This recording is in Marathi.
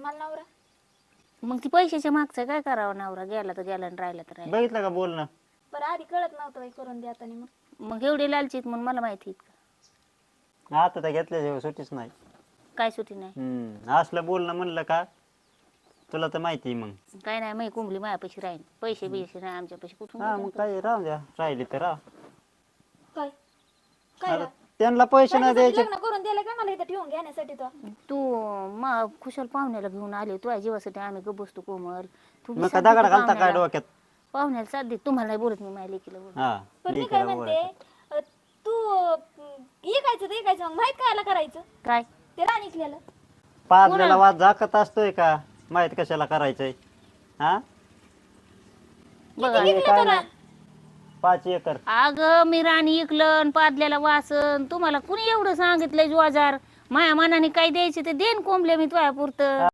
मला नवरा. मग ती पैशाच्या मागचं काय करावं, नवरा गेला तर गेला आणि राहिला तर राहिला. बघितलं का बोलणं? बरं आधी कळत नव्हतं बाई करून द्या आता मग एवढे लालचीत म्हणून मला माहिती आहेत का? आता तर घेतल्याशिवाय सुटीच नाही. काय सुटी नाही. असलं बोलणं म्हणलं का तुला तर माहिती आहे. मग काय नाही, माही कुंबली मायापाशी राहील, पैसे बिशे नाही आमच्या पैसे कुठून हा मग काय राहू द्या, राहिली तर राह. काय काय आता त्यांना पैसे नाही द्यायचे. लग्न करून दिलं का मला इथं ठेवून घेण्यासाठी तो? तू खुशाल पाहुण्याला घेऊन आले, तुझ्या जीवासाठी आम्ही गप बसतो कोमल. तू बी मग काय साथ दे दगड घालता काय पाहुण्याला. डोक्यात? पाहुण्याला साथ दे. तुम्हाला नाही बोलत मी, माझ्या लेकीला बोलत. हा पण मी लेकीला काय बोलायचं. म्हणते तू ऐकायचं मग माहित कायला करायचं काय ते राणीकलेलं? पाजलेला वाद झाकत असतोय का? माहित कशाला करायचंय? हा बघा, हे काय नाही. 5 एकर. अगं मी राणी इकलन पादल्याला वासन, तुम्हाला कुणी एवढं सांगितलंय जुआजार? माया मनाने काय द्यायचे ते देन कोंबले मी तुझ्या पुरतं.